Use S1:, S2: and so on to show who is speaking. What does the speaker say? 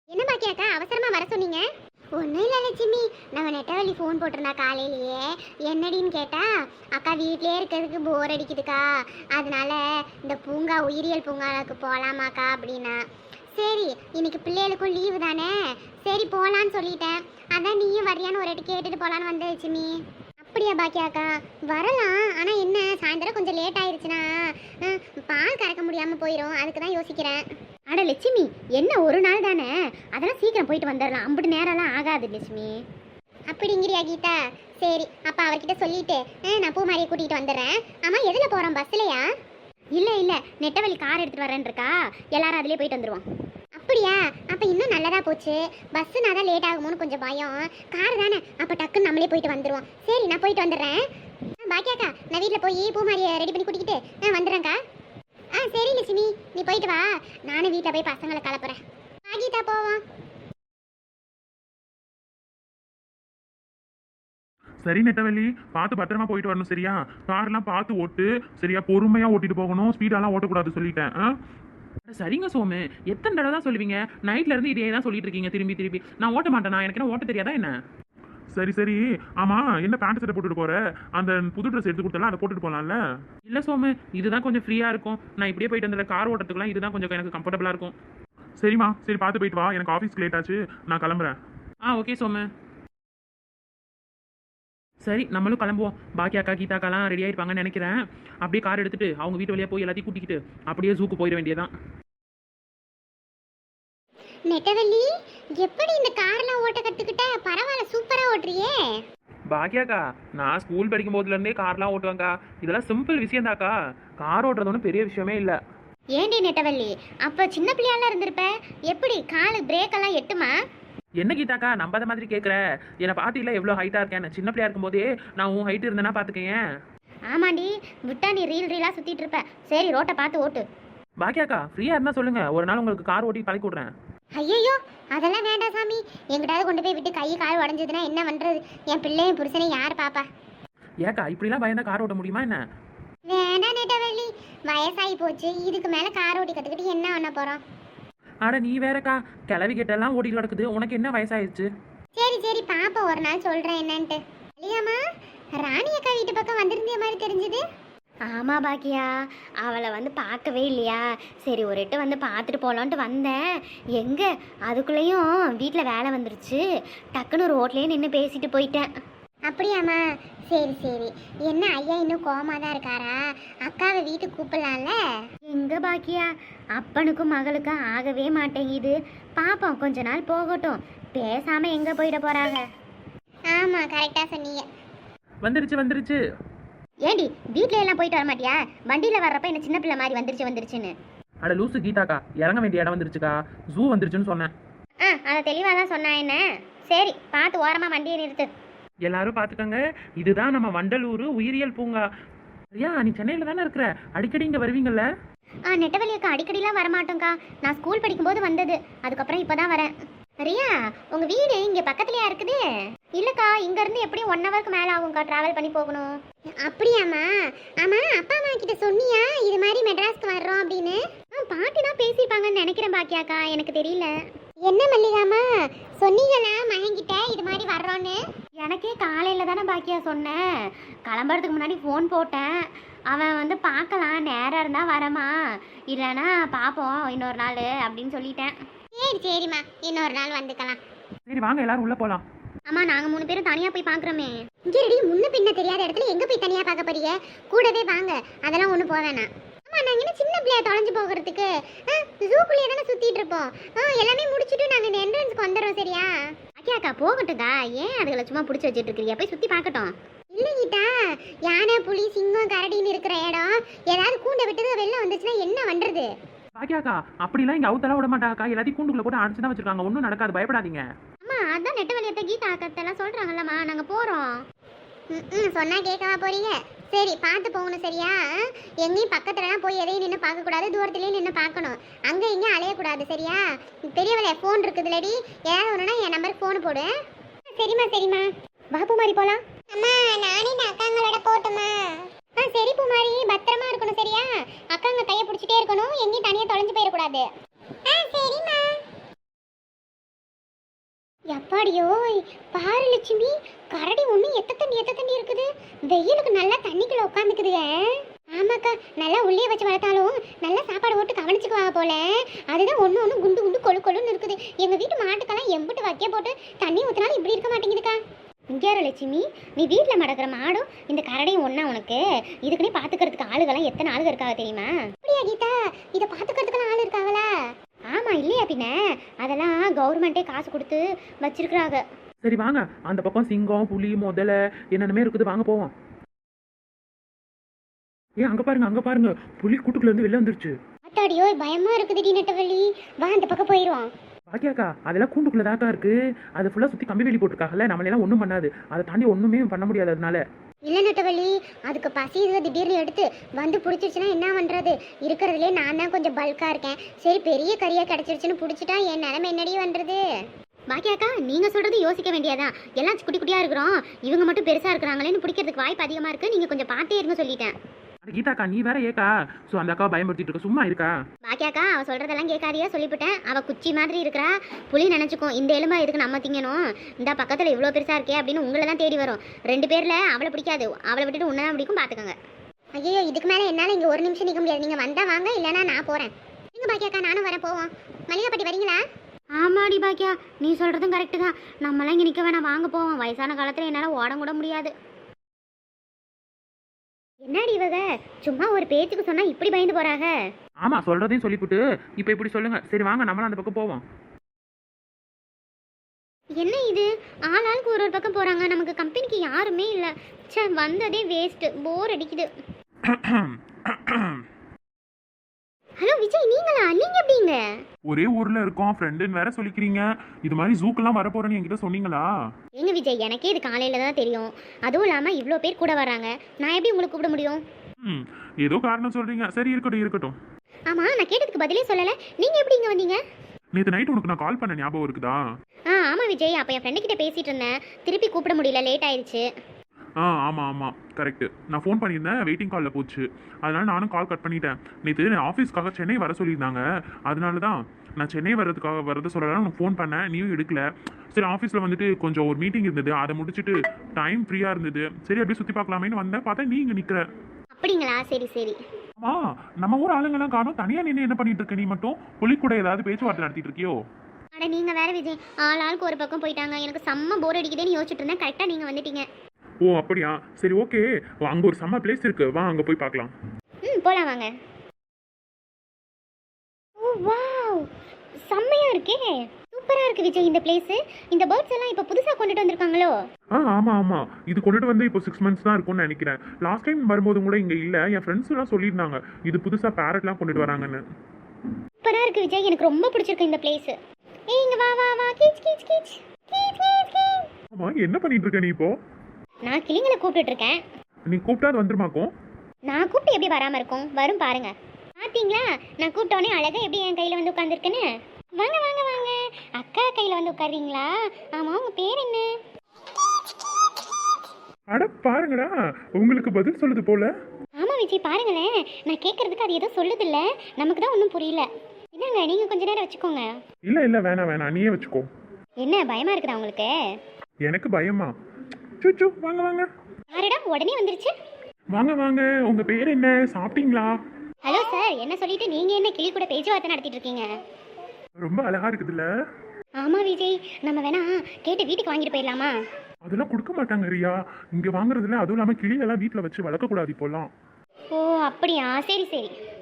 S1: என்ன பாக்கியாக்கா அவசரமா வர சொன்னீங்க? ஒன்றும் இல்லை லட்சுமி, நம்ம நெட்டவள்ளி ஃபோன் போட்டிருந்தா காலையிலேயே. என்னடின்னு கேட்டா, அக்கா வீட்டிலே இருக்கிறதுக்கு போர் அடிக்குதுக்கா, அதனால இந்த பூங்கா உயிரியல் பூங்காவுக்கு போகலாமாக்கா அப்படின்னா. சரி, இன்னைக்கு பிள்ளைகளுக்கும் லீவு தானே, சரி போகலான்னு சொல்லிட்டேன். அதான் நீயும் வரியான்னு ஒரு வாட்டி கேட்டுட்டு போகலான்னு வந்த லட்சுமி. அப்படியா பாக்கியாக்கா? வரலாம், ஆனால் என்ன சாயந்தரம் கொஞ்சம் லேட் ஆயிடுச்சுன்னா பால் கறக்க முடியாமல் போயிடும், அதுக்கு தான் யோசிக்கிறேன். அட லட்சுமி, என்ன ஒரு நாள் தானே, அதெல்லாம் சீக்கிரம் போயிட்டு வந்துடலாம், அப்படி நேரம்லாம் ஆகாது லட்சுமி. அப்படிங்கிறியா கீதா? சரி, அப்போ அவர்கிட்ட சொல்லிட்டு நான் பூமாரியை கூட்டிகிட்டு வந்துடுறேன். ஆமாம், எதில் போகிறோம், பஸ்லையா? இல்லை இல்லை, நெட்டவழி கார் எடுத்துகிட்டு வரேன்னு இருக்கா, எல்லாரும் அதிலே போயிட்டு வந்துடுவோம். அப்படியா? அப்போ இன்னும் நல்லதாக போச்சு. பஸ்ஸுனா தான் லேட் ஆகுமோன்னு கொஞ்சம் பயம், கார் தானே, அப்போ டக்குன்னு நம்மளே போயிட்டு வந்துடுவோம். சரி, நான் போயிட்டு வந்துடுறேன். பாக்கியாக்கா, நான் வீட்டில் போய் பூமாரியை ரெடி பண்ணி கூட்டிக்கிட்டு வந்துடுறேன்க்கா. சரி லட்சுமி, நீ போயிட்டு வா, நானும் வீட்டில் போய் பசங்களை கலப்புறேன். கீதா போவோம்.
S2: சரி நெட்டவள்ளி, பார்த்து பத்திரமா போயிட்டு வரணும் சரியா? கார்லாம் பார்த்து ஓட்டு சரியா, பொறுமையா ஓட்டிட்டு போகணும், ஸ்பீடாலாம் ஓட்டக்கூடாது சொல்லிட்டேன்.
S3: சரிங்க சோமு, எத்தனை தடவை தான் சொல்லுவீங்க? நைட்ல இருந்து இதே தான் சொல்லிட்டு இருக்கீங்க திரும்பி திரும்பி. நான் ஓட்ட மாட்டேனா? எனக்கு என்ன ஓட்ட தெரியாதா என்ன?
S2: சரி சரி, ஆமா, என்ன பேண்ட் சட்டை போட்டுட்டு போற? அந்த புது ட்ரெஸ் எடுத்து கொடுத்தலாம், அதை போட்டுட்டு போலாம்ல?
S3: இல்ல சோமு, இதுதான் கொஞ்சம் ஃப்ரீயா இருக்கும். நான் இப்படியே போயிட்டு வந்த கார் ஓட்டத்துக்குலாம் இதுதான் கொஞ்சம் எனக்கு கம்ஃபர்டபுளா இருக்கும்.
S2: சரிம்மா, சரி பார்த்து போயிட்டு வா, எனக்கு ஆஃபீஸ்க்கு லேட் ஆச்சு, நான் கிளம்புறேன்.
S3: ஓகே சோமு. சரி, நம்மளும் கிளம்புவோம். பாக்கி அக்கா கீதாக்காலாம் ரெடி ஆயிருப்பாங்கன்னு நினைக்கிறேன். அப்படியே கார் எடுத்துட்டு அவங்க வீட்டு வழியா போய் எல்லாத்தையும் கூட்டிக்கிட்டு அப்படியே ஜூக்கு போயிட வேண்டியதான்.
S1: நெட்டவள்ளி, எப்படி இந்த கார்லாம் ஓட்ட கத்துக்கிட்ட? பரவாயில்ல, சூப்பரா ஓட்டுறியே.
S3: பாக்கியாக்கா, நான் ஸ்கூல் படிக்கும் போதுலேருந்தே கார்லாம் ஓட்டுவேங்க்கா. இதெல்லாம் சிம்பிள் விஷயம்தாக்கா, கார் ஓட்டுறது ஒன்றும் பெரிய விஷயமே இல்லை.
S1: ஏண்டி நெட்டவள்ளி, அப்போ சின்ன பிள்ளையாலாம் இருந்திருப்ப, எப்படி காலு பிரேக் எல்லாம் எட்டுமா?
S3: என்ன கீதாக்கா நம்பாத மாதிரி கேட்குற? என்னை பார்த்தில எவ்வளோ ஹைட்டாக இருக்கேன். சின்ன பிள்ளையா இருக்கும்போதே நான் உன் ஹைட் இருந்தேன்னா பார்த்துக்கேன்.
S1: ஆமாண்டி, விட்டா நீ ரீலாக சுற்றிட்டு இருப்ப. சரி, ரோட்டை பார்த்து ஓட்டு.
S3: பாக்கியாக்கா, ஃப்ரீயாக இருந்தால் சொல்லுங்கள், ஒரு நாள் உங்களுக்கு கார் ஓட்டி பழக்கி விட்றேன்.
S1: ஐயோ, அதெல்லாம் வேண்டாம் சாமி. எங்கிட்டாவது கொண்டு போய் விட்டு கை கால் உடஞ்சதுன்னா என்ன பண்ணுறது? என் பிள்ளையும் புருஷனையும் யார் பாப்பா?
S3: ஏக்கா இப்படிலாம் பயந்தா கார் ஓட்ட முடியுமா என்ன?
S1: வேண்டாம் நெட்டவள்ளி, வயசாகி போச்சு, இதுக்கு மேலே கார் ஓட்டி கற்றுக்கிட்டு என்ன பண்ண போகிறோம்?
S3: ஆட நீ வேறக்கா, கிளவி கிட்டெல்லாம் ஓட்டிட்டு கிடக்குது, உனக்கு என்ன வயசாயிடுச்சு?
S1: சரி சரி, பாப்பா ஒரு நாள் சொல்கிறேன் என்னன்ட்டு. இல்லையாம்மா, ராணி அக்கா வீட்டு பக்கம் வந்திருந்த மாதிரி தெரிஞ்சுது. ஆமாம் பாக்கியா, அவளை வந்து பார்க்கவே இல்லையா, சரி ஒரு எட்டு வந்து பார்த்துட்டு போகலான்ட்டு வந்தேன். எங்கே அதுக்குள்ளேயும் வீட்டில் வேலை வந்துருச்சு, டக்குன்னு ரோட்லேயே நின்று பேசிட்டு போயிட்டேன். அப்படியாம்மா? சரி சரி. என்ன ஐயா இன்னும் கோவமாக தான் இருக்காரா? அக்காவை வீட்டுக்கு கூப்பிடலாம்ல? எங்கே பாக்கியா, அப்பனுக்கும் மகளுக்கும் ஆகவே மாட்டேங்குது. பாப்போம், கொஞ்ச நாள் போகட்டும், பேசாமல் எங்கே போயிட போகிறாங்க. ஆமாம், கரெக்டாக சொன்னீங்க.
S3: வந்துருச்சு.
S1: ஏண்டி வீட்டில எல்லாம் போயிட்டு வர மாட்டியா? வண்டியில் வர்றப்ப என்ன சின்ன பிள்ளை மாதிரி வந்துருச்சுன்னு.
S3: அட லூசு கீதாக்கா, இறங்க வேண்டிய இடம் வந்துருச்சுக்கா, ஜூ வந்துருச்சுன்னு சொன்னேன்.
S1: அதை தெளிவாக தான் சொன்னா என்ன. சரி, பார்த்து ஓரமாக வண்டியை நிறுத்து.
S3: எல்லாரும் பார்த்துக்கோங்க, இதுதான் நம்ம வண்டலூர் உயிரியல் பூங்கா. சரியா? நீ சென்னையில் தானே இருக்கிற, அடிக்கடி இங்கே வருவீங்கல்ல?
S1: நெட்டவள்ளி அக்கா, அடிக்கடிலாம் வரமாட்டோங்க்கா, நான் ஸ்கூல் படிக்கும்போது வந்தது, அதுக்கப்புறம் இப்போ தான் வரேன். ரியா, உங்கள் வீடு இங்கே பக்கத்துலையா இருக்குது? இல்லைக்கா, இங்கேருந்து எப்படியும் 1 ஹவருக்கு மேலே ஆகும்க்கா ட்ராவல் பண்ணி போகணும். அப்படியாம்மா? ஆமாம், அப்பா அம்மா கிட்ட சொன்னியா இது மாதிரி மெட்ராஸ்க்கு வர்றோம் அப்படின்னு? பாட்டி தான் பேசியிருப்பாங்கன்னு நினைக்கிறேன் பாக்கியாக்கா, எனக்கு தெரியல. என்ன மல்லிகாமா, சொன்னீங்களா மகன்கிட்ட இது மாதிரி வர்றோன்னு? எனக்கே காலையில் தானே பாக்கியா சொன்னேன், கிளம்புறதுக்கு முன்னாடி ஃபோன் போட்டேன். அவன் வந்து பார்க்கலாம், நேரம் இருந்தால் வரமா, இல்லைன்னா பார்ப்போம் இன்னொரு நாள் அப்படின்னு சொல்லிட்டேன். சரி சரிம்மா, இன்னொரு நாள் வந்துக்கலாம்.
S3: சரி வாங்க, எல்லாரும் உள்ளே போகலாம்.
S1: அம்மா, நாங்கள் 3 பேரும் தனியாக போய் பார்க்குறோமே. இங்கே ரெடி, முன்ன பின்ன தெரியாத இடத்துல எங்கே போய் தனியாக பார்க்க போறீங்க? கூடவே வாங்க, அதெல்லாம் ஒன்றும் போக வேணாம். ஆமாம், நாங்கள் என்ன சின்ன பிள்ளையா தொலைஞ்சு போகிறதுக்கு? ஜூக்குள்ளேயே தானே சுற்றிட்டு இருப்போம். எல்லாமே முடிச்சுட்டு நாங்கள் இந்த என்ட்ரன்ஸ்க்கு வந்துடுறோம், சரியா? அக்கா போகட்டும்க்கா, ஏன் அதுகளை சும்மா பிடிச்சி வச்சுட்டு இருக்கிறீங்க? போய் சுற்றி பார்க்கட்டும். இல்லை கீதா, யானை புலி சிங்கம் கரடின்னு இருக்கிற இடம், ஏதாவது கூண்டை விட்டு வெளில வந்துச்சுன்னா என்ன பண்ணுறது?
S3: பாக்கியாக்கா, அப்படிலாம் இங்கே அவுத்தெல்லாம் விட மாட்டாக்கா, எல்லாத்தையும் கூண்டுக்குள்ள போட்டு அடிச்சு தான் வச்சிருக்காங்க, ஒன்றும் நடக்காது, பயப்படாதீங்க.
S1: அம்மா, அதான் நெட்டவள்ளியத்தை கீதா அக்கத்தெல்லாம் சொல்கிறாங்கல்லம்மா, நாங்கள் போகிறோம். சொன்னால் கேட்கவா போறீங்க? சரி, பார்த்து போகணும், சரியா? எங்கேயும் பக்கத்துலலாம் போய் எதையும் நின்று பார்க்கக்கூடாது, தூரத்துலேயும் நின்று பார்க்கணும், அங்கே இங்கே அலையக்கூடாது, சரியா? பெரியவளை ஃபோன் இருக்குதுலடி, ஏதாவது ஒன்றுனா என் நம்பருக்கு ஃபோன் போடு. சரிம்மா சரிம்மா, வா பூமாரி போகலாம். அம்மா, நானே இந்த அக்காங்களோட போட்டுமா? சரி பூமாரி, பத்திரமா இருக்கணும், சரியா? அக்காங்க கையை பிடிச்சிட்டே இருக்கணும், எங்கேயும் தனியாக தொலைஞ்சு போயிடக்கூடாது. சரிம்மா. அப்பாடியோய், பாரு லட்சுமி, கரடி ஒண்ணு எத்த தண்ணி இருக்குது. வெயிலுக்கு நல்லா தண்ணிக்குள்ள உட்காந்துக்குதுங்க. ஆமாக்கா, நல்லா உள்ளே வச்சு வளர்த்தாலும் நல்லா சாப்பாடு போட்டு கவனிச்சுக்குவாங்க போல. அதுதான் ஒண்ணு குண்டு குண்டு கொழு கொழுன்னு இருக்குது. எங்க வீட்டு மாட்டுக்கெல்லாம் எம்பிட்டு வைக்க போட்டு தண்ணி ஊத்தினாலும் இப்படி இருக்க மாட்டேங்குதுக்கா. இங்கே லட்சுமி, நீ வீட்டில் மடக்கிற மாடும் இந்த கரடையும் ஒன்றா உனக்கு. இதுக்குன்னே பார்த்துக்கிறதுக்கு ஆளுகள்லாம் எத்தனை ஆளுங்க இருக்காங்க தெரியுமா? அப்படியா கீதா, இதை பார்த்துக்கிறதுக்கெல்லாம் ஆள் இருக்காங்களா? ஆமாம், இல்லையா பின்ன. அதெல்லாம் கவர்மெண்ட்டே காசு கொடுத்து வச்சிருக்கிறாங்க.
S3: சரி வாங்க, அந்த பக்கம் சிங்கம் புலி முதல்ல என்னென்னமே இருக்குது, வாங்க போவோம். ஏன் அங்கே பாருங்க புலி கூட்டுக்குள்ளேருந்து வெளில வந்துருச்சு.
S1: அத்தாடியோ, பயமா இருக்குதுடி நெட்டவள்ளி. வா, அந்த பக்கம் போயிடுவோம்.
S3: பாக்கியாக்கா அதெல்லாம் கூண்டுக்குள்ள தாக்கா இருக்கு. அது ஃபுல்லாக சுற்றி கம்பி வேலி போட்டிருக்காங்கல்ல, நம்மளெல்லாம் ஒன்றும் பண்ணாது. அதை தாண்டி ஒன்றுமே பண்ண முடியாது. அதனால
S1: இல்லை நெட்டவள்ளி, அதுக்கு பசி இதை திடீர்னு எடுத்து வந்து பிடிச்சிருச்சுன்னா என்ன பண்ணுறது? இருக்கிறதுலே நான் தான் கொஞ்சம் பல்காக இருக்கேன். சரி, பெரிய கறியாக கிடச்சிருச்சுன்னு பிடிச்சிட்டா என் நிலைமை என்னடி பண்ணுறது? பாக்கியாக்கா, நீங்கள் சொல்கிறது யோசிக்க வேண்டியதான். எல்லாம் குட்டி குட்டியாக இருக்கிறோம், இவங்க மட்டும் பெருசாக இருக்கிறாங்களேன்னு பிடிக்கிறதுக்கு வாய்ப்பு அதிகமாக இருக்குது. நீங்கள் கொஞ்சம் பார்த்தே இருங்க சொல்லிட்டேன்.
S3: கீதாக்கா நீ வேற ஏக்கா அந்த அக்காவை பயன்படுத்திட்டு இருக்க, சும்மா இருக்கா?
S1: பாக்கியாக்கா, அவ சொல்றதெல்லாம் கேட்காதியா சொல்லிவிட்டேன். அவ குச்சி மாதிரி இருக்கிறா. புலி நினைச்சுக்கும் இந்த எலும்பா எதுக்கு நம்ம திங்கணும், இந்த பக்கத்துல இவ்வளோ பெருசா இருக்கே அப்படின்னு உங்களை தான் தேடி வரும். 2 பேர்ல அவளை பிடிக்காது, அவளை விட்டுட்டு உன்னதான் பிடிக்கும், பாத்துக்கோங்க. ஐயோ, இதுக்கு மேல என்னால இங்க ஒரு நிமிஷம் நிக்க முடியாது. நீங்க வந்தா வாங்க, இல்லைன்னா நான் போறேன். நீங்க பாக்கியாக்கா, நானும் வரேன், போவோம். மல்லிகாப்பட்டி வரீங்களா? ஆமாடி பாக்கியா, நீ சொல்றதும் கரெக்டு தான். நம்மளாம் இங்க நிக்க வேணாம், வாங்க போவோம். வயசான காலத்துல என்னால ஓட கூட முடியாது. என்னடி இவங்க சும்மா ஒரு பேச்சுக்கு சொன்னா இப்படி பயந்து போறாங்க?
S3: ஆமா, சொல்றதையும் சொல்லிவிட்டு இப்போ இப்படி சொல்லுங்க. சரி வாங்க, நம்மளும் அந்த பக்கம் போவோம்.
S1: என்ன இது, ஆளாளுக்கு ஒரு பக்கம் போறாங்க. நமக்கு கம்பெனிக்கு யாருமே இல்லை. ச்சே, வந்ததே வேஸ்ட், போர் அடிக்குது. ஹலோ விஜய், நீங்களா? நீங்க எப்படிங்க?
S2: ஒரே ஊர்ல இருக்கோம், ஃப்ரெண்டுன்னு வேற சொல்லிக்கிறீங்க. இது மாதிரி ஜூக்கெல்லாம் வரப்போறேன்னு என்கிட்ட சொன்னீங்களா?
S1: எங்க விஜய், எனக்கே இது காலையில தான் தெரியும். அதுவும் இல்லாம இவ்வளோ பேர் கூட வராங்க, நான் எப்படி உங்களுக்கு கூப்பிட முடியும்?
S2: ஏதோ காரணம் சொல்றீங்க. சரி, இருக்கட்டும்.
S1: ஆமா, நான் கேட்டதுக்கு பதிலே சொல்லல. நீங்க எப்படி இங்க வந்தீங்க?
S2: நேற்று நைட் உனக்கு நான் கால் பண்ண ஞாபகம் இருக்குதா?
S1: ஆமா விஜய், அப்ப என் ஃப்ரெண்டு கிட்ட பேசிட்டு இருந்தேன். திருப்பி கூப்பிட முடியல, லேட் ஆயிடுச்சு.
S2: ஆமாம் கரெக்டு. நான் ஃபோன் பண்ணியிருந்தேன், வெயிட்டிங் காலில் போச்சு. அதனால நானும் கால் கட் பண்ணிட்டேன். நேற்று ஆஃபீஸ்க்காக சென்னை வர சொல்லியிருந்தாங்க. அதனால தான் நான் சென்னை வரது சொல்லலாம் உனக்கு ஃபோன் பண்ணேன், நீயும் எடுக்கல. சரி, ஆஃபீஸில் வந்துட்டு கொஞ்சம் ஒரு மீட்டிங் இருந்தது, அதை முடிச்சுட்டு டைம் ஃப்ரீயாக இருந்தது. சரி, அப்படியே சுற்றி பார்க்கலாமேன்னு வந்தேன். பார்த்தா நீ இங்கே நிற்கிற.
S1: அப்படிங்களா? சரி.
S2: நம்ம ஊர் ஆளுங்கெல்லாம் காணும், தனியாக நின்று என்ன பண்ணிட்டு இருக்க? நீ மட்டும் புலி கூட ஏதாவது பேச்சுவார்த்தை நடத்திட்டு இருக்கியோ?
S1: அட நீங்க வேற விஜய், ஆளாளுக்கு ஒரு பக்கம் போயிட்டாங்க. எனக்கு செம்ம போர் அடிக்குதுன்னு யோசிச்சுட்டு இருந்தேன். கரெக்டாக நீங்க வந்துட்டீங்க.
S2: ஓ அப்படியா? சரி, ஓகே. அங்கே ஒரு செம்ம பிளேஸ் இருக்கு, வா அங்கே போய் பார்க்கலாம்.
S1: போலாம் வாங்க. ஓ வாவ், செம்மையா இருக்கே, சூப்பரா இருக்கு விஜய் இந்த பிளேஸ். இந்த பேர்ட்ஸ் எல்லாம் இப்போ புதுசா கொண்டுட்டு வந்திருக்காங்களோ?
S2: ஆமாம். இது கொண்டுட்டு வந்து இப்போ 6 months தான் இருக்கும்னு நினைக்கிறேன். லாஸ்ட் டைம் வரும்போது கூட இங்கே இல்லை. என் ஃப்ரெண்ட்ஸ் எல்லாம் சொல்லியிருந்தாங்க இது புதுசாக பேரட்லாம் கொண்டுட்டு வராங்கன்னு.
S1: சூப்பரா இருக்கு விஜய், எனக்கு ரொம்ப பிடிச்சிருக்கு இந்த பிளேஸ். ஏய், இங்க வா வா வா, கீச் கீச் கீச் கீச் கீச் கீச்.
S2: ஆமா, என்ன பண்ணிட்டு இருக்க நீ இப்போ?
S1: நான் கிளிங்களை கூப்பிட்டுட்டு இருக்கேன்.
S2: நீ கூப்பிட்டா அது வந்துருமாக்கும்?
S1: நான் கூப்பிட்டு எப்படி வராம இருக்கும்? வரும் பாருங்க. பாத்தீங்களா, நான் கூப்பிட்டோன்னே அழகா எப்படி என் கையில வந்து உட்காந்துருக்குன்னு. வாங்க வாங்க வாங்க, அக்கா கையில வந்து உட்காருறீங்களா? ஆமா, உங்க பேர் என்ன?
S2: அட பாருங்கடா, உங்களுக்கு பதில் சொல்லுது போல.
S1: ஆமா விஜய், பாருங்களேன். நான் கேட்கறதுக்கு அது ஏதோ சொல்லுது இல்ல, நமக்கு தான் ஒன்றும் புரியல. என்னங்க, நீங்க கொஞ்ச நேரம் வச்சுக்கோங்க.
S2: இல்ல வேணாம், நீயே வச்சுக்கோ.
S1: என்ன பயமா இருக்குதா உங்களுக்கு?
S2: எனக்கு பயமா? சுச்சு, வாங்க.
S1: யாரடா உடனே வந்துருச்சு?
S2: வாங்க. உங்க பேர் என்ன? சாப்பிட்டீங்களா?
S1: ஹலோ சார், என்ன சொல்லிட்டு நீங்க என்ன கிளி கூட பேச்சுவார்த்தை நடத்திட்டு இருக்கீங்க?
S2: ரொம்ப அழகா இருக்குதுல்ல?
S1: ஆமா விஜய், நம்ம வேணா கேட்டு வீட்டுக்கு வாங்கிட்டு போயிடலாமா?
S2: அதெல்லாம் கொடுக்க மாட்டாங்க ரியா, இங்க வாங்குறதுல. அதுவும் இல்லாம கிளியெல்லாம் வீட்டுல வச்சு வளர்க்க கூடாது இப்போலாம்.
S1: ஓ அப்படியா, சரி